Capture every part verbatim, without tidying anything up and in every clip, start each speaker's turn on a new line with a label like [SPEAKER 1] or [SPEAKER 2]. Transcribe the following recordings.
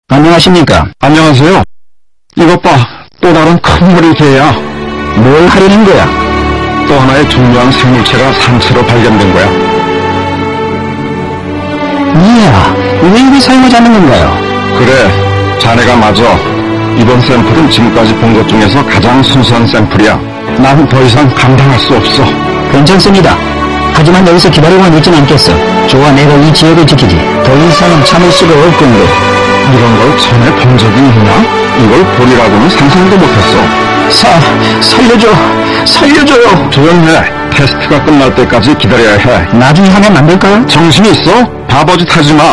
[SPEAKER 1] 안녕하십니까?
[SPEAKER 2] 안녕하세요. 이것 봐, 또 다른 큰 머리 개야.
[SPEAKER 1] 뭘 하려는 거야?
[SPEAKER 2] 또 하나의 중요한 생물체가 산채로 발견된 거야.
[SPEAKER 1] 이야, 왜 이리 사용하지 않는 건가요?
[SPEAKER 2] 그래, 자네가 맞아. 이번 샘플은 지금까지 본 것 중에서 가장 순수한 샘플이야. 난 더 이상 감당할 수 없어.
[SPEAKER 1] 괜찮습니다. 하지만 여기서 기다리고만 있진 않겠어. 좋아, 내가 이 지역을 지키지. 더 이상은 참을 수가 없군요.
[SPEAKER 2] 이런 걸 전에 본 적이 있나? 이걸 보리라고는 상상도 못했어.
[SPEAKER 1] 사, 살려줘, 살려줘요.
[SPEAKER 2] 조용해. 테스트가 끝날 때까지 기다려야 해.
[SPEAKER 1] 나중에 하면 안 될까요?
[SPEAKER 2] 정신이 있어? 바보짓 하지 마.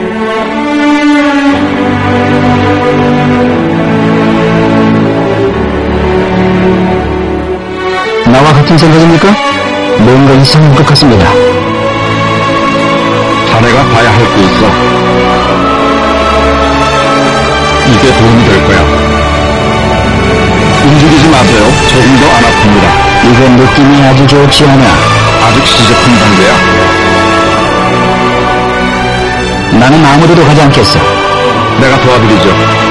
[SPEAKER 1] 나와 같은 생각입니까? 뭔가 이상한 것 같습니다.
[SPEAKER 2] 자네가 봐야 할 게 있어. 이게 도움이 될 거야. 움직이지 마세요. 조금도 안 아픕니다.
[SPEAKER 1] 이건 느낌이 아주 좋지 않아.
[SPEAKER 2] 아직 시제품 단계야.
[SPEAKER 1] 나는 아무데도 가지 않겠어.
[SPEAKER 2] 내가 도와드리죠.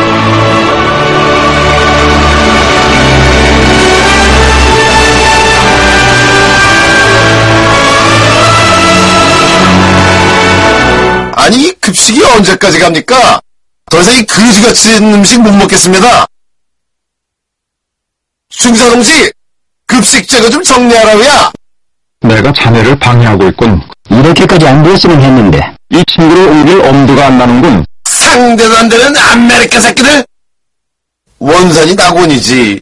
[SPEAKER 3] 아니, 이 급식이 언제까지 갑니까? 더 이상 이 그지같이 생긴 음식 못 먹겠습니다. 중사동지, 급식 제거 좀 정리하라고야.
[SPEAKER 2] 내가 자네를 방해하고 있군.
[SPEAKER 1] 이렇게까지 안 되었으면 했는데.
[SPEAKER 2] 이 친구를 옮길 엄두가 안 나는군.
[SPEAKER 3] 상대도 안 되는 아메리카 새끼들. 원산이 낙원이지.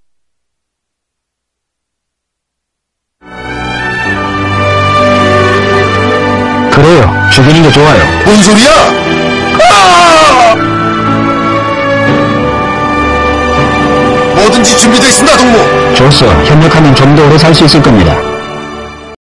[SPEAKER 1] 그래요. 죽이는 게 좋아요.
[SPEAKER 3] 뭔 소리야? 아! 뭐든지 준비되어 있습니다, 동무.
[SPEAKER 1] 좋소. 협력하면 좀 더 오래 살 수 있을 겁니다.